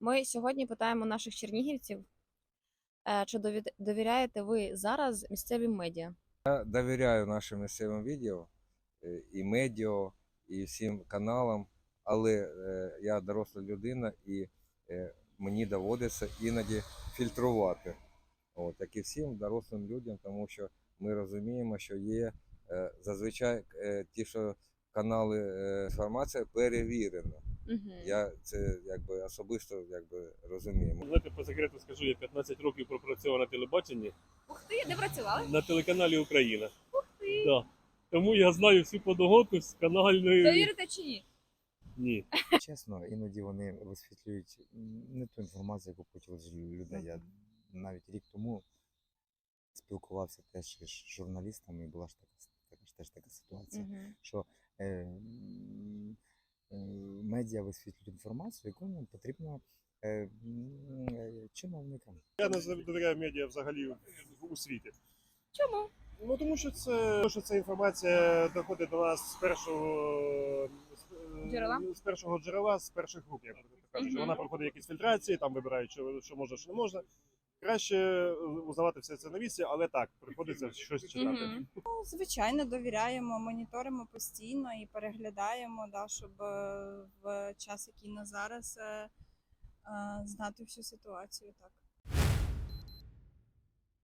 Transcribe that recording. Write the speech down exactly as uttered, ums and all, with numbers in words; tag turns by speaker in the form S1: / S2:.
S1: Ми сьогодні питаємо наших чернігівців, е, чи довід- довіряєте ви зараз місцевим медіа?
S2: Я довіряю нашим місцевим відео, е, і медіа, і всім каналам, але е, я доросла людина і е, мені доводиться іноді фільтрувати. От, як і всім дорослим людям, тому що ми розуміємо, що є е, зазвичай е, ті, що канали е, інформація перевірена.
S1: Угу.
S2: Я це якби особисто якби розумію.
S3: Знаєте, по секрету скажу, я п'ятнадцять років пропрацював на телебаченні
S1: Ух ти, де працювали?
S3: на телеканалі Україна.
S1: Ух ти!
S3: Да. Тому я знаю всю подоготу з канальної.
S1: Довірите чи ні?
S3: Ні.
S4: Чесно, іноді вони висвітлюють не ту інформацію, яку хотіли з людей. Я навіть рік тому спілкувався теж із журналістами, і була ж така, така ж теж така ситуація,
S1: Угу.
S4: що е, м, е, медіа висвітлюють інформацію, яку нам потрібно е, м, е, чиновникам.
S5: Я не довіряю медіа взагалі в- у світі.
S1: Чому?
S5: Ну тому що це тому що ця інформація доходить до нас з першого з-
S1: Джерела?
S5: з першого джерела, з перших рук, як так кажуть.
S1: Мгм.
S5: Вона проходить якісь фільтрації, там вибирають, що, що можна, що не можна. Краще узнавати все це на місці, але так, приходиться щось читати.
S1: Угу.
S6: Ну, звичайно, довіряємо, моніторимо постійно і переглядаємо, да, щоб е, в час, який на зараз, е, е, знати всю ситуацію. Так.